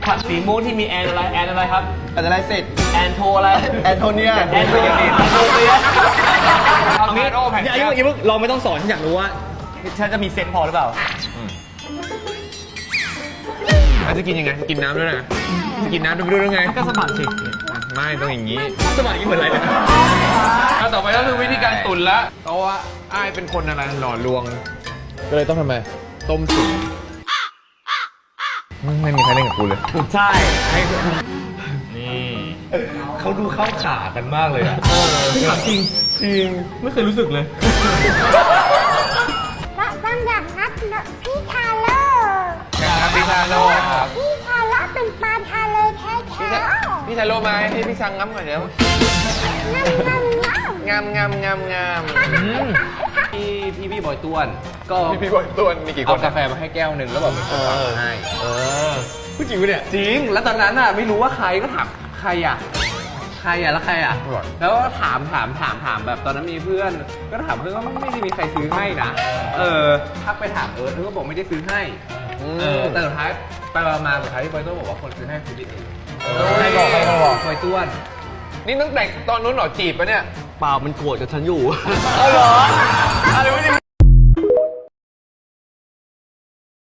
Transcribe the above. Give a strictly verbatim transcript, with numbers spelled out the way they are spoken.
ผักสีม่วงที่มีแอนอะไรแอนอะไรครับแอนอะไรเสร็จแอนโทอะไรแอนโทเนียแอนโทเนียแอนโทเนียเอางี้อย่าอย่าอย่าเราไม่ต้องสอนฉันอยากรู้ว่าฉันจะมีเซนส์พอหรือเปล่าอาจจะกินยังไงกินน้ำด้วยนะจะกินน้ำด้วยด้วยไงก็สะบัดสิไม่ต้องอย่างนี้สะบัดอย่างนี้เหมือนอะไรเนี่ยแล้วต่อไปก็คือวิธีการตุ๋นละเพราะว่าอ้ายเป็นคนอะไรหล่อลวง ก็เลยต้องทำไมต้มตุ๋นไม่มีใครเล่นกับกูเลยใช่ให้นี่เขาดูเข้าขากันมากเลยอ่ะถามจริงจริงไม่เคยรู้สึกเลยและบางอย่างนับพี่ทาโร่ครับพี่ชาโลครับพี่ทาโร่เป็นปลาทะเลแท้ๆพี่ชาโลมาให้พี่ชังง้ำก่อนเดี๋ยวงามงามงามงามงามงามพี่พี่พี่บอยต้วนก็พี่พี่บอยตัวมีกี่คเอานกาแฟมาให้แก้วหนึ่งแล้วบอกเป็นคนทำให้เออพูดจริงปะเนี่ยจริงแล้วตอนนั้นอ่ะไม่รู้ว่าใครก็ถามใครอ่ะใครอ่ะแล้วใครอ่ะแล้วก็ถามถามถามถามแบบตอนนั้นมีเพื่อน ก็ถามเพื่อนว่าไม่ได้มีใครซื้อให้นะเออทักไปถามเอิร์ธเอิร์ธก็บอกไม่ได้ซื้อให้เออแต่สุดท้ายไปมาสุดท้ายที่บอยต้วนบอกว่าคนซื้อให้คือพี่เองใครบอกใครบอกบอยต้วนนี่ตั้งแต่ตอนนู้นเหรอจีบปะเนี่ยเปล่ามันโกรธกับฉันอยู่เอาเหรออะไรวะเนี่ย